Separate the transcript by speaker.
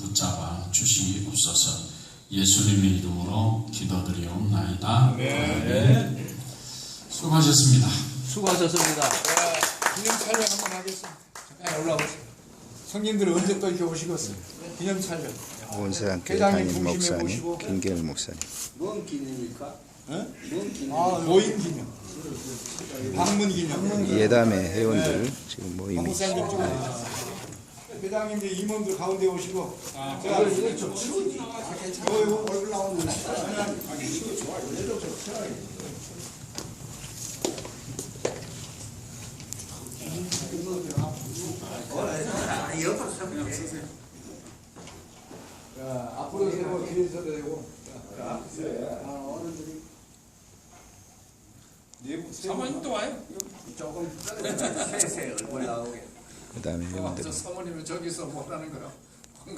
Speaker 1: 붙잡아 주시옵소서. 예수님의 이름으로 기도드리옵나이다. 네. 수고하셨습니다.
Speaker 2: 수고하셨습니다.
Speaker 3: 기념 촬영 한번 하겠습니다. 잠깐 올라오세요. 성님들은 언제 또 이렇게 오시겠어요? 기념 촬영.
Speaker 4: 온세한교회
Speaker 3: 회장님
Speaker 4: 담임
Speaker 3: 중심에
Speaker 4: 목사님
Speaker 3: 모시고.
Speaker 4: 김계일 목사님.
Speaker 5: 뭔 기념입니까?
Speaker 3: 응?
Speaker 5: 뭔 기념?
Speaker 3: 모임 기념. 방문 기념.
Speaker 4: 예담의 회원들 지금 모임이
Speaker 3: 목사님 찍어주세요. 회장님들 임원들 가운데 오시고. 제가 이거 좀 치우지. 얼굴 나오는 거. 이거 좋아요. 얘도 좀 편하게.
Speaker 5: 옆으로 서면 쓰세요.
Speaker 3: 자, 앞으로 세고 뒤에 서도 되고.
Speaker 5: 어른들이
Speaker 3: 사모님도 와요.
Speaker 5: 조금 세세 얼굴 나오게.
Speaker 4: 그 다음에 회원들
Speaker 3: 사모님은 저기서 뭐라는 거야?